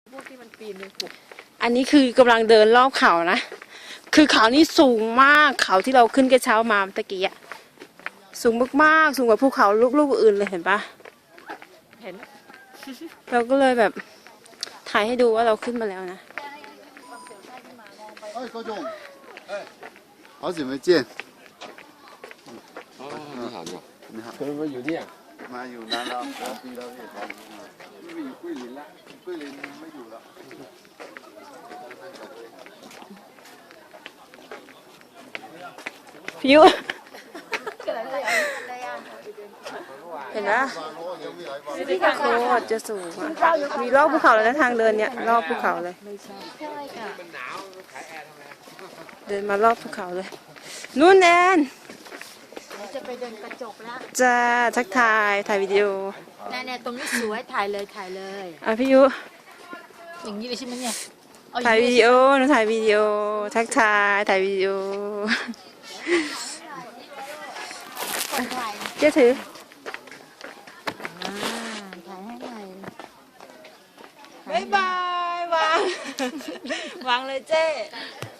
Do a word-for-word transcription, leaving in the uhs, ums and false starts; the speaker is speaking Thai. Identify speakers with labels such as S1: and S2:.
S1: พวกที่มันปีนเลยขุด
S2: อันนี้คือกำลังเดินรอบเขานะคือเขานี่สูงมากเขาที่เราขึ้นกระเช้ามาเมื่อกี้อะสูงมากๆสูงกว่าภูเขาลูกๆอื่นเลยเห็นปะ
S1: เห็น
S2: เราก็เลยแบบถ่ายให้ดูว่าเราขึ้นมาแล้วนะ
S3: 哎，高总，哎，好久没见。
S4: 哦，你好，你好，
S3: 你好，
S4: 可能有电，
S3: 妈有难了，我逼到这头，
S4: 因为有桂林了，
S3: 桂林没有了。
S2: พิวเห็นนะโคตรจะสูงอ่ะมีรอบภูเขาเลยนะทางเดินเนี่ยรอบภูเขาเลยเดินมารอบภูเขาเลยนู่นแอน
S5: จะไปเดินกระจกแล้ว
S2: จะทักทายถ่ายวิดีโอ
S5: แน่ๆตรงนี้สวยถ่ายเลยถ่ายเลย
S2: อ่ะพี่ยุ
S5: อย่างนี้เลยใช่ไหมเนี่ย
S2: ถ่ายวิดีโอหนูถ่ายวิดีโอทักทายถ่ายวิดีโอ
S5: คนถ่าย
S2: เจ๊ถือ
S5: อ่าถ่ายให้หน่อย
S2: บ๊ายบายวางวางเลยเจ๊